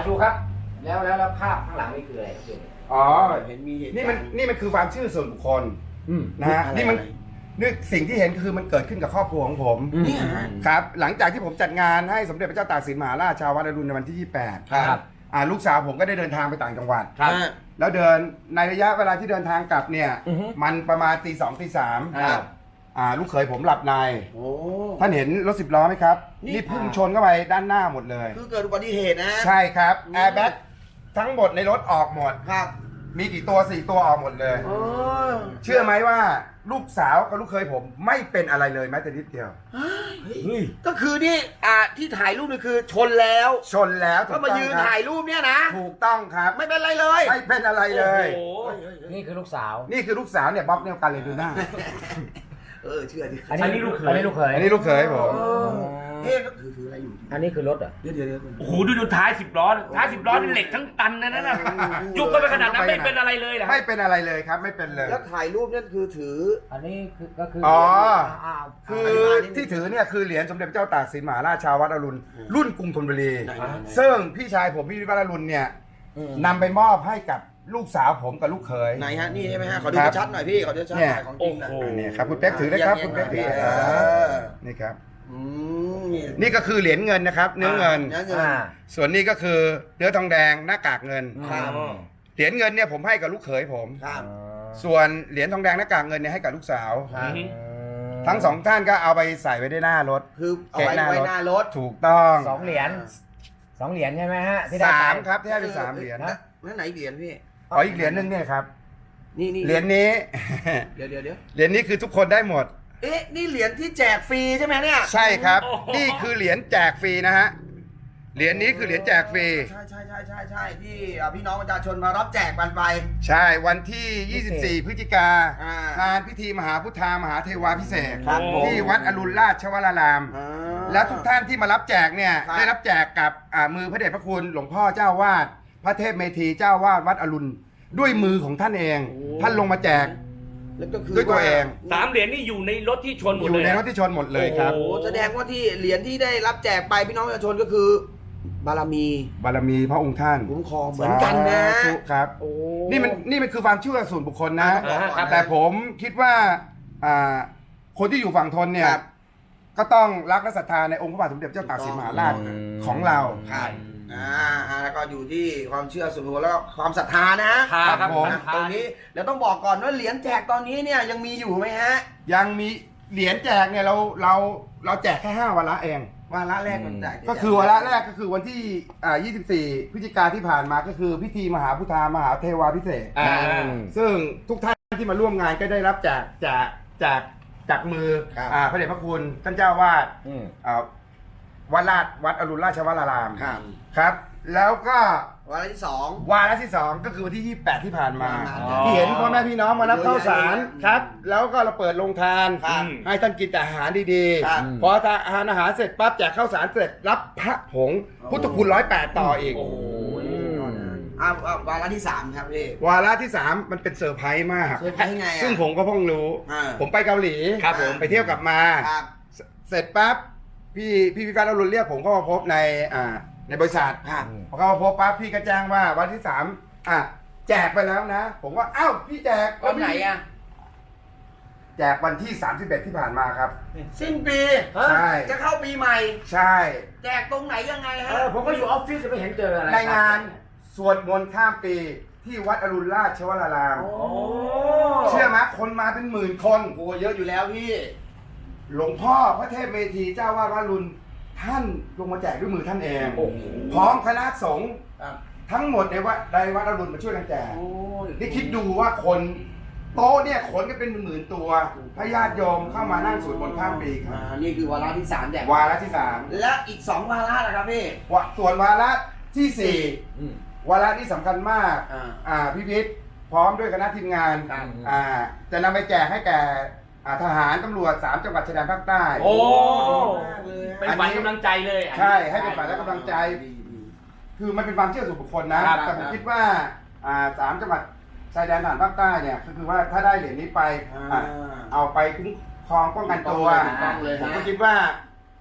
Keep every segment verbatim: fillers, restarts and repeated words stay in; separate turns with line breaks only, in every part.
ชูครับแล้วแล้วแล้วภาพข้างหลังนี่คืออะไรครับ
อ๋อ
เห็นมีเหตุ
นี่มันนี่มันคือความเชื่อส่วนบุคคลนะฮะ
อะไร
นี่มัน
อะไร
นี่สิ่งที่เห็นคือมันเกิดขึ้นกับครอบครัวของผม
นี่ฮะ
ครับหลังจากที่ผมจัดงานให้สมเด็จพระเจ้าตากสินมหาราชชาววัดอรุณในวันที่ยี่สิบแปด
ครับ
อ่าลูกสาวผมก็ได้เดินทางไปต่างจังหวัด
ครับ
แล้วเดินในระยะเวลาที่เดินทางกลับเนี่ย
อือฮึ
มันประมาณตีสองตีสาม
ครับ
อ่าลูกเขยผมหลับใน
โอ้
ท่านเห็นรถสิบล้อไหมครับ
นี่
นี่พุ่งชนเข้าไปด้านหน้าหมดเลย
คือเกิดอุบัติเหตุนะ
ใช่ครับแอร์แบ็กทั้งหมดในรถออกหมด
ครับ
มีกี่ตัวสี่ตัวออกหมดเลย
โอ้
เชื่อไหมว่าลูกสาวกับลูกเคยผมไม่เป็นอะไรเลยแม้แต่นิดเดียว
เฮ้ย
ก็คือนี่อ่าที่ถ่ายรูปนี่คือชนแล้ว
ชนแล้วถู
ก็
ก
มา
ต้อง
ยืน
ครับ
ถ่ายรูปเนี่ยนะ
ถูกต้องครับ
ไม่เป็นไรเลย
ไม่เป็นอะไรเลย
โอ้โหนี่คือลูกสาว
นี่คือลูกสาวเนี่ยบ๊อบเนี่ยกันเลยดูหน้า
เออเชื่อดิ
อันนี้ลูกเขยอันนี้ลูกเขย
อันนี้ลูกเขยผม
เออเฮ้ยถือถืออะไรอยู่
อันนี้คือรถเหรอ
เดี๋ยวเดี๋ยวเดี๋ยว
โอ้โหดูดูท้ายสิบล้อท้ายสิบล้อนี่เหล็กทั้งตันนะนั่นน่ะยุบก็ไปขนาดนั้นไม่เป็นอะไรเลยเหรอ
ไม่เป็นอะไรเลยครับไม่เป็นเลย
แล้วถ่ายรูปเนี่ยคือถือ
อันนี้คือก็คือ
อ๋อ
อ่า
คือ
ธิบายนิดนึง
ที่ถือเนี่ยคือเหรียญสมเด็จพระเจ้าตากสินมหาราชชาววัดอรุณรุ่นกรุงธนบุรี
ไหนๆๆ
ซึ่งพี่ชายผมพี่วิวัฒน์อรุณเนี่ย
อืม
นำไปมอบให้กับลูกสาวผมกับลูกเขย
ไหนฮะนี่ใช่ไหมฮะขอดู
ครับ
ชัดๆหน่อยพี่ขอดูชัดๆหน่อยของจริงนะ
โอ้โห
อันนี้ครับคุณเป๊กถือเลยครับคุณเป๊กถือ
เออ
นี่ครับ
อืม
นี่ก็คือเหรียญเงินนะครับ เนื้อเงิน
เนื้อเงิน
อ่า
ส่วนนี้ก็คือเนื้อทองแดงหน้ากากเงิน
ครับ
เหรียญเงินเนี่ยผมให้กับลูกเขยผม
ครับ
ส่วนเหรียญทองแดงหน้ากากเงินเนี่ยให้กับลูกสาว
ครับ
ทั้งสองท่านก็เอาไปใส่ไว้ในหน้ารถ
คือเอาไว้ไว้หน้ารถ
ถูกต้อง
สองเหรียญสองเหรียญใช่ไหมฮะที่ได้
สาม
ไป
ครับที่ให้เป็นสามเหรียญ
นะ
นั่นไหนเหรียญพี่
อ๋ออีกเหรียญหนึงเนี่ยครับ
นี่นี่
เหรียญนี้
เดี๋ยวเดี๋ยวเดี๋ยว
เหรียญนี้คือทุกคนได้หมด
เอ๊ะนี่เหรียญที่แจกฟรีใช่ไหมเนี่ย
ใช่ครับ
โอ้โห
นี่คือเหรียญแจกฟรีนะฮะเหรียญนี้คือเหรียญแจกฟรี
ใช่ใช่ใช่ใช่ใช่ที่อ่าพี่น้องประชาชนมารับแจกกันไป
ใช่วันที่ ยี่สิบสี่ พฤศจิกา
อ่าง
งานพิธีมหาพุทธามหาเทวาพิเศษก
ครับผม
ที่วัดอรุณราชวราราม
อ่า
และทุกท่านที่มารับแจกเนี่ย
ครับ
ได้รับแจกกับอ่ามือพระเดชพระคุณหลวงพ่อเจ้าวาดพระเทพเมธีเจ้าวาดวัดอรุณด้วยมือของท่านเอง ท่านลงมาแจก
แล้วก็คือ
ด้วยตัวเอง
สามเหรียญนี่อยู่ในรถที่ชนหม
อ
ด
ยู่
เลย
ในรถที่ชนหมดเลยครับ
โอ้
โอ้แสดงว่าที่เหรียญที่ได้รับแจกไปพี่น้องประชาชนก็คือ บารมี
บารมีพระองค์ท่าน
คุ้มครองเหมือนกันนะ
สาธุครับ
โอ้
นี่มันนี่มันคือความเชื่อส่วนบุคคลนะ
อ่าครับ
แต่ผมคิดว่าอ่าคนที่อยู่ฝั่งทนเนี่ย
ครับ
ก็ต้องรักและศรัทธาในองค์พระบาทสมเด็จเจ้าตากสินมหาราช
อืม
ของเรา
ครับอ่าอ่าแล้วก็อยู่ที่ความเชื่อส่วนบุคคลแล้วก็ความศรัทธานะ
ทาครับ
ผม
นะตรงนี้แล้วต้องบอกก่อนว่าเหรียญแจกตอนนี้เนี่ยยังมีอยู่ไหมฮะ
ยังมีเหรียญแจกเนี่ยเราเราเราแจกแค่ห้าวาระเอง
วาระแรกมันแจก
ก็คือวาระแรกก็คือวันที่อ่ายี่สิบสี่ พฤศจิกาที่ผ่านมาก็คือพิธีมหาพุทธามหาเทวาพิเศษก
อ่า
ซึ่งทุกท่านที่มาร่วมงานก็ได้รับจากจากจากจากมืออ่าพระเดชพระคุณท่านเจ้าวาด
อืม
อ่าวัดราชวัดอรุณราชวราราม
ครับ
ครับ แล้วก็
วาระที่สอง
วาระที่สองก็คือวันที่ยี่สิบแปดที่ผ่านมา
อ๋อ
ที่เห็นพ่อแม่พี่น้องมารับข้าวสาร
เยอะแยะ
ครับ แล้วก็เราเปิดโรงทาน
ครับ
ให้ท่านกินแต่อาหารดี
ครับ
ๆพอทานอาหารเสร็จปั๊บแจกข้าวสารเสร็จรับพระผงพุทธคุณร้อยแปดต่ออีก
โอ้โห
อ่าวาระที่สามครับพี่
วาระที่สามมันเป็นเซอร์ไพรส์มาก
เซอร์ไพรส์ไงอะ
ซึ่งผมก็เพิ่งรู้
อ่า
ผมไปเกาหลี
ครับผม
ไปเที่ยวกลับมา
ครับ
เสร็จปั๊บพี่พี่พิการอรุณเรียกผมเข้ามาพบในอ่าในบริษัท
ครับ
พอเข้ามาพบปั๊บพี่ก็แจ้งว่าวันที่สามอ่ะแจกไปแล้วนะ ผมว่าอ้าวพี่แจก
วันไหนอ่ะ
แจกวันที่สามสิบเอ็ดที่ผ่านมาครับ
สิ้นปี
ใช่
จะเข้าปีใหม่
ใช่
แจกตรงไหนยังไง
เอ
ฮะ
อผมก็อยู่ออฟฟิศจะไม่เห็นเจออะไร
ในงานสวดมนต์ข้ามปีที่วัดอรุณราชวราราม
โอ้
เชื่อไหมคนมาเป็นหมื่นคน
โหเยอะอยู่แล้วพี่
หลวงพ่อพระเทพเมธีเจ้าวาดวัดอรุณท่านลงมาแจกด้วยมือท่านเอง
โอ้โห
พร้อมคณะสงฆ์
ครับ
ทั้งหมดในวัดในวัดอรุณมาช่วยกันแจก
โอ้ย
นี่คิดดูว่าคนโต๊ะเนี่ยขนกันเป็นหมื่นๆตัวพระญาติโยมเข้ามานั่งสวดมนต์ข้ามปีค
อ่า
รับ
นี่คือวาระที่สามแจก
วาระที่สาม
และอีกสองวาระนะครับพี่
วะส่วนวาระที่สี่
อืม
วาระที่สำคัญมาก
อ่า
อ่าพี่พิษพร้อมด้วยคณะทีมงาน
ครับ
อ่าจะนำไปแจกให้แก่อ่าทหารตำรวจสามจังหวัดชายแดนภาคใต้
โอ้
มากเลย
เป็นฝันกำลังใจเลยอันนี้
ใช่ให้เป็นฝ่ายและกำลังใจ
ดีดี
คือมันเป็นความเชื่อส่วนบุคคลนะครับ แต่ผม
ครับ
คิดว่าอ่าสามจังหวัดชายแดนทหารภาคใต้เนี่ยก็คือว่าถ้าได้เหรียญนี้ไป
อ่า
อ่ะเอาไปคุ้มครองป้องกันตัว
ถูกต้องเลย
ผม
ฮะ
ก็คิดว่า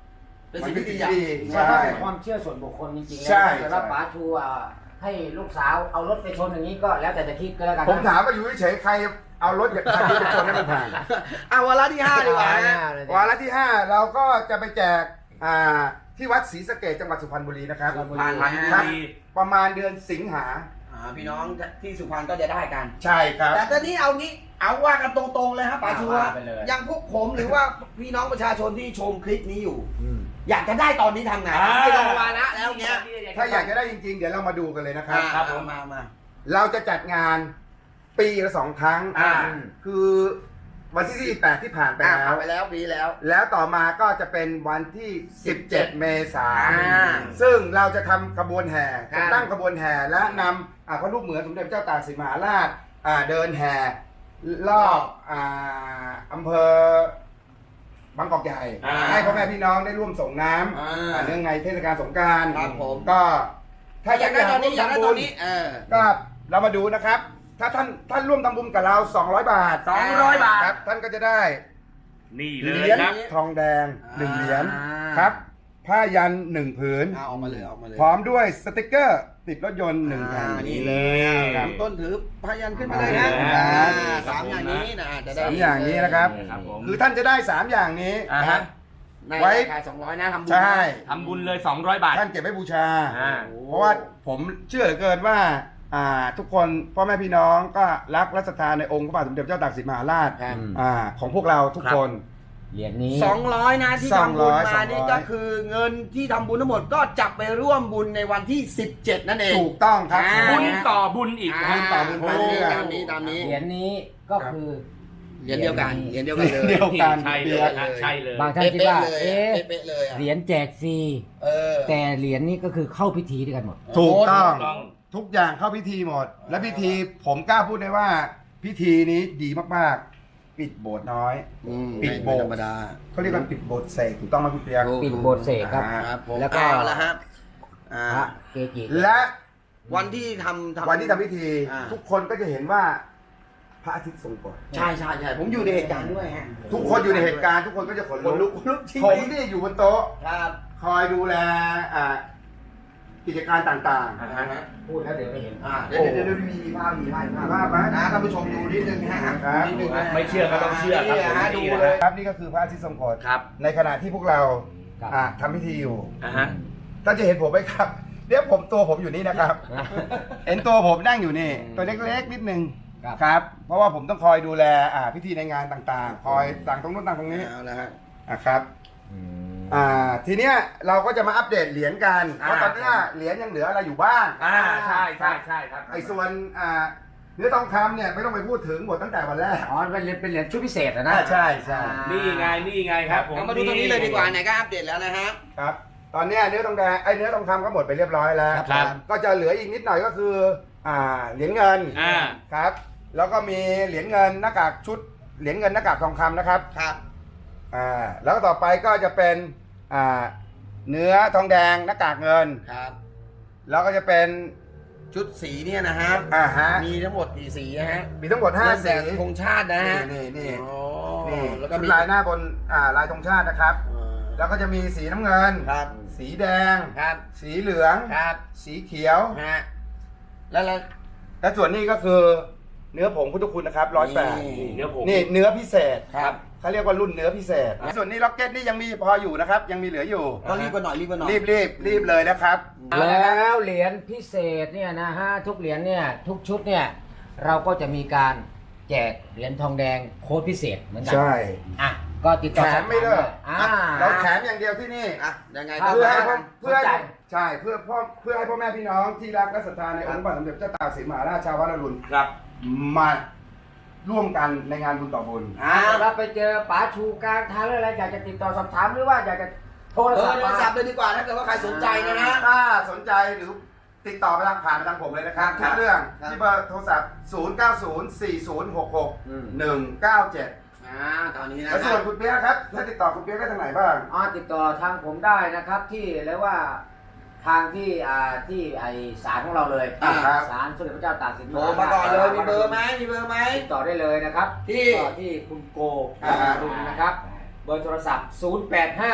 เป็นสิ่ง
มัน
ที่
เป็น
ดี
สิ่ง
อ่ะ
ที่ดี
ใช่
ใช่
เป็นความเชื่อส่วนบุคคลจริงๆ
ใช่
แล้วแต่ว่า
ใช่
ป๋าชูอ่ะให้ลูกสาวเอารถไปชนอย่างนี้ก็แล้วแต่จะคิดก็แล้วกันนะ
ผมถามว่าอยู่เฉยๆใครเอารถจากใครไปชนให้มันผ่าน
อ่ะวาระที่ห้าดีกว่านะ
วาระที่ห้าเราก็จะไปแจกอ่าที่วัดศรีสะเกษจังหวัดสุพรรณบุรีนะครับ
ผ่าน
พัน
นะ
ค
ค
รั
รั
บบ ประมาณเดือนสิงหา
อ่าพี่น้องที่สุพรรณก็จะได้กัน
ใช่ครับ
แต่ตอนนี้เอางี้เอาว่ากันตรงๆเลยครับป๋าชู
ว่าไปเลย
อย่างพวกผมหรือว่าพี่น้องประชาชนที่ชมคลิปนี้อยู่
อืม
อยากจะได้ตอนนี้ทำไง
อ่า
ไม่รอวาระแล้วเงี้ย
ถ้าอยากจะได้จริงๆ เดี๋ยวเรามาดูกันเลยนะครับ
ครับผมมามา
เราจะจัดงานปีละสองครั้ง
อ่า
คือวันที่ที่แปดที่ผ่านไป
อ่า
แล้
ผ่าวน ไปแล้วปีแล้ว
แล้วต่อมาก็จะเป็นวันที่สิบเจ็ดเมษาย
อ่า
นซึ่งเราจะทำขบวนแห่
ครับ
จะตั้งขบวนแห่และนำอ่าพระรูปเหมือนสมเด็จพระเจ้าตากสินมหาราชอ่าเดินแห่รอบอ่าอำเภอบางกอกใหญ่
อ่า
ให้พ่อแม่พี่น้องได้ร่วมส่งน้ำ
อ่า
อ่าเนื่องในเทศกาลสงกรานต์
ครับผม
ก็
ถ้าอยากได้ตอนนี้อยากได้ตอนนี้เออ
ก็เรามาดูนะครับ ถ้าท่านท่านร่วมทำบุญกับเราสองร้อยบาท
สองร้อยบาท
ครับท่านก็จะได้
นี่เล
เห
ย
รียญ
ครับ
ทองแดงหนึ่ง
อ่า
เหรียญครับผ้ายันหนึ่งผืน
เอาออกมาเลยเอาออกมาเลย
พร้อมด้วยสติกเกอร์ติดรถยนต์หนึ่งแผ่น
อ่านี่เลยอ่ะ
ครับ
ต้นถือพยันขึ้นมาเลยนะ
อ่า
อ่าสามอย่างนี้นะจะได้
สามอย่างนี้นะครับ
ครับผม
คือท่านจะได้สามอย่างนี้
อ่า
นะ
ฮะ
ใน
ไว้
ราคาสองร้อยนะทำบุญ
ใช่
ทำบุญเลยสองร้อยบาท
ท่านเก็บไว้บูชา
อ่า
เพราะว่าผมเชื่อเหลือเกินว่าอ่าทุกคนพ่อแม่พี่น้องก็รักและศรัทธาในองค์พระบาทสมเด็จพระเจ้าตากสินมหาราช
ครับ
อ่าของพวกเราทุกคน
เหรียญนี้
สองร้อยนะที่ทำบุญ
สองร้อย
มานี่ก็คือเงินที่ทำบุญทั้งหมดก็จับไปร่วมบุญในวันที่สิบเจ็ดนั่นเอง
ถูกต้องครับ
อ่า
บุญต่อบุญอีก
อ่า
บุญต่อบุญไปเรื่อย
ตามนี้ตามนี้
เหรียญนี้ก็คือ
เหรียญเดียวกันเหรียญเดียวกันเลย
เดียวกัน
ใช่เลยฮะใช่เลย
บางท่านคิด
เป๊ะ
ว่า
ๆเลย
เอ๊ะ
อะเป๊ะๆเลยอะ
เหรียญแจกฟรี
เออ
แต่เหรียญนี้ก็คือเข้าพิธีด้วยกันหมด
ถูกต้อง
ถูกต้อง
ทุกอย่างเข้าพิธีหมด และพิธีผมกล้าพูดได้ว่า พิธีนี้ดีมากๆ ปิดโบสถ์น้อย
อืม
ปิดโบสถ์
ไม่ธรรมดา
เขาเรียกว่าปิดโบสถ์เสกถูกต้องไหมคุณเปียก
ถูก
ปิดโบสถ์เสกครับ
อ่า
ครับผม
แล้วก็
เอาละครับอ่า
พระเกจิ
และ
วันที่ทำทำ
วันที่ทำพิธี
อ่า
ทุกคนก็จะเห็นว่าพระอาทิตย์ทรงกฎ
ใช่ใช่ใช่ผมอยู่ในเหตุการณ์ด้วยฮะ
ทุกคนอยู่ในเหตุการณ์ทุกคนก็จะขน
คนลุ
ลุ
ก
ก
ลุกจริง
ผมนี่อยู่บนโต๊ะ
ครับ
คอยดูแลอ่ากิจการต่าง
อ่าฮะ
พูดแล้วเดี๋ยวไม่เห็น
อ่าเดี๋ยวเดี๋ยวเดี๋ยวมีมีภาพมีภาพมี
ๆ
ภาพ
ภาพไหม
นะท่านผู้ชมดูนิดนึงฮะ
ครับ
นิดนึงนะ
ไม่เชื่อก็ต้องเชื่อครับ
นี่ฮะ
ผม
ดู
นี่นะ
เลย
ครับนี่ก็คือพระอาทิตย์ทรงกฎ
ครับ
ในขณะที่พวกเรา
ครับ
อ่าทำพิธีอยู่
อ่าฮะ
ท่านจะเห็นผมไหมครับเดี๋ยวผมตัวผมอยู่นี่นะครับ เห็นตัวผมนั่งอยู่นี่ ตัวเล็กๆนิดนึง
ครับ
ครับ เพราะว่าผมต้องคอยดูแลอ่าพิธีในงานต่างๆ คอยสั่งตรงนู้นสั่งตรงนี้
เอาละฮะ
อ่ะครับ
อืม
อ่าทีเนี้ยเราก็จะมาอัปเดตเหรียญกัน
อ่า
เพราะตอนเนี้ยเหรียญยังเหลืออะไรอยู่บ้าง
อ่าใช่ใช่ใช่ครับ
ไอ้ส่วนอ่าเนื้อทองคำเนี่ยไม่ต้องไปพูดถึงหมดตั้งแต่วันแรก
อ๋อเป็นเหรียญเป็นเหรียญชุดพิเศษอะนะ
อ่าใช่ใช่
นี่ไงนี่ไงครับผม
เอามาดูตรงนี้เลยดีกว่าไหนก็อัปเดตแล้วนะฮะ
ครับ ตอนเนี้ยเนื้อทองแดงไอ้เนื้อทองคำก็หมดไปเรียบร้อยแล้ว
ครับ
ก็จะเหลืออีกนิดหน่อยก็คืออ่าเหรียญเงิน
อ่า
ครับ แล้วก็มีเหรียญเงินหน้ากากชุดเหรียญเงินหน้ากากทองคำนะครับ
ครับ
อ่าแล้วก็ต่อไปก็จะเป็นอ่าเนื้อทองแดงหน้ากากเงิน
ครับ
แล้วก็จะเป็น
ชุดสีเนี่ยนะฮะ
อ่าฮะ
มีทั้งหมดกี่สีนะฮะ
มีทั้งหมดห้า
เริ่ม
สี
แต่ธงชาตินะฮะ
นี่นี่
อ๋อ
นี่
แล้วก็
ชุด
มี
ลายหน้าบนอ่าลายธงชาตินะครับ
อ่า
แล้วก็จะมีสีน้ำเงิน
ครับ
สีแดง
ครับ
สีเหลือง
ครับ
สีเขียว
ฮะแล้วแล้ว
และส่วนนี้ก็คือเนื้อผงพุทธคุณนะครับร้อยแปด
นี่
เนื้อผม
นี่เนื้อพิเศษ
ครับ
เขาเรียกว่ารุ่นเนื้อพิเศษ ส่วนนี้ล็อกเก็ตนี่ยังมีพออยู่นะครับ ยังมีเหลืออยู่
ก็รีบกันหน่อยรีบกันหน่อย
รีบรีบรีบเลยนะครับ
แล้วเหรียญพิเศษเนี่ยนะฮะทุกเหรียญเนี่ยทุกชุดเนี่ยเราก็จะมีการแจกเหรียญทองแดงโค้ดพิเศษเหมือนกั
ใช่
อ่ะก็ติดต่อ
แถมไม่เลิก
อ่า
เราแถมอย่างเดียวที่นี่
อ่ะยังไง
ครั
ก็
บ
เพื่อให้พ่อ
ส
เพื่อน ให้
ใจ
ใช่เพื่อพ่อเพื่อให้พ่อแม่พี่น้องที่รักและศรัทธาในองค์พระบาทสมเด็จพระเจ้าตากสินมหาราชชาววัดอรุณ
ครับ
มาร่วมกันในงานบุญต่อบุญ
อ่าเราไปเจอป๋าชูกลางทางหรืออะไรอยากจะติดต่อสอบถามหรือว่าอยากจะโทร
เอ
ศั
อ
พท์
โทร
มา
ศัพท์เลยดีกว่าถ้าเกิดว่าใครสนใจนะฮะ
ถ้าสนใจหรือติดต่อไปทางผ่านไปทางผมเลยนะครับ
ครับ
ทุกเรื่อง
ครับ
ที่เบอร์โทรศัพท์ ศูนย์ เก้า ศูนย์ สี่ ศูนย์ หก หก หนึ่ง เก้า เจ็ด
อ่าตอนนี้นะ
แล้วส่วนคุณเปี๊ยกครับถ้าติดต่อคุณเปี๊ยกได้ทางไหนบ้าง
อ๋อติดต่อทางผมได้นะครับที่เรียกว่าทางที่อ่าที่ไอศาลของเราเลย
อ่าครับ
ศาลสมเด็จพระเจ้าตากสิน
โทรมาก่อนเลยมีเบอร์ไหมมีเบอร์ไหม
ติดต่อได้เลยนะครับ
ที่
ติดต่อที่คุณโก
อ่า
รุณนะครับเบอร์โทรศัพท์ ศูนย์ แปด ห้า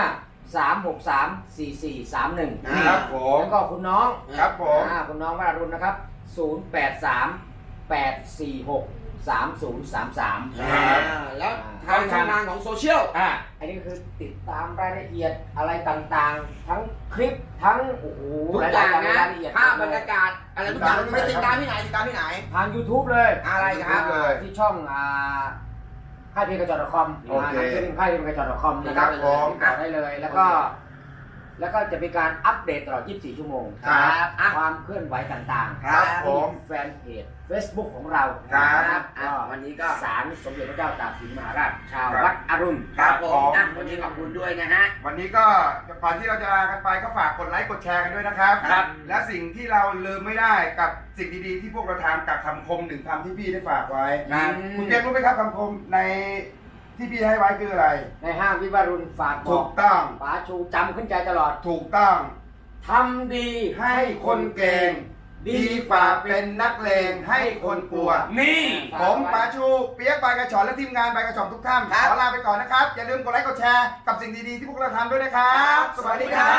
สามหกสามสี่สี่สามหนึ่ง
ครับผม
แล้วก็คุณน้อง
ครับผม
อ่าคุณน้องวรารุณนะครับศูนย์แปดสามแปดสี่หกสามศูนย์สามสาม
อ่าแล้วทางช่องทางของโซเชียล
อ่าอันนี้ก็คือติดตามรายละเอียดอะไรต่างๆ ทั้งคลิปทั้งโอ้โห
ทุกอย่างนะ
รายละเอียด
ภาพบรรยากาศอะไรทุกอย่างไม่ติดตามที่ไหนติดตามที่ไหน
ทาง YouTube เลย
อะไรครับ
อ่าที่ช่องอ่าค่ายเพลงกระจก .com
โอเค
นะชื่อค่ายเพลงกระจก .com นะครับ
ครับผม
ติดต่อได้เลยแล้วก็ แล้วก็จะมีการอัปเดตตลอด ยี่สิบสี่ ชั่วโมง
ครับ
อ่ะความเคลื่อนไหวต่างๆ
ครับผม
แฟนเพจ Facebook ของเรา
ครับ
ก็
วันนี้ก็
ศาลสมเด็จพระเจ้าตากสินมหาราช ชาว
ครับ
วัดอรุณ
ครับผ
ผม ม
อ่ะวันนี้ขอบคุณด้วยนะฮะ
วันนี้ก็ก่อนที่เราจะลากันไปก็ฝากกดไลค์กดแชร์กันด้วยนะครับ
ครับ
และสิ่งที่เราลืมไม่ได้กับสิ่งดีๆที่พวกเราทำกับคำคมหนึ่งคำที่พี่ได้ฝากไว้
ครับ
คุณเกมรู้ไหมครับคำคมในที่พี่ให้ไว้คืออะไร
ในห้างวิวารุณฝากบ
ถู
อก
กต้อง
ป๋าชูจำขึ้นใจตลอด
ถูกต้อง
ทำดี
ให้คนเก่ง ดีฝ่าเป็นนักเลงให้คนกลัว
นี่
ผมปาชูเปียกบายกระชอนและทีมงานบายกระชอนทุกท่าน
ครับ
ขอลาไปก่อนนะครับ อย่าลืมกดไลค์กดแชร์กับสิ่งดีๆที่พวกเราทำด้วยนะครับ สวัสดีครับ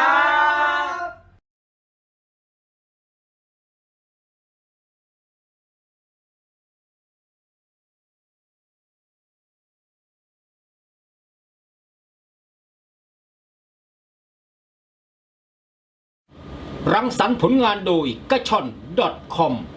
รังสรรค์ผลงานโดยกระชอน .com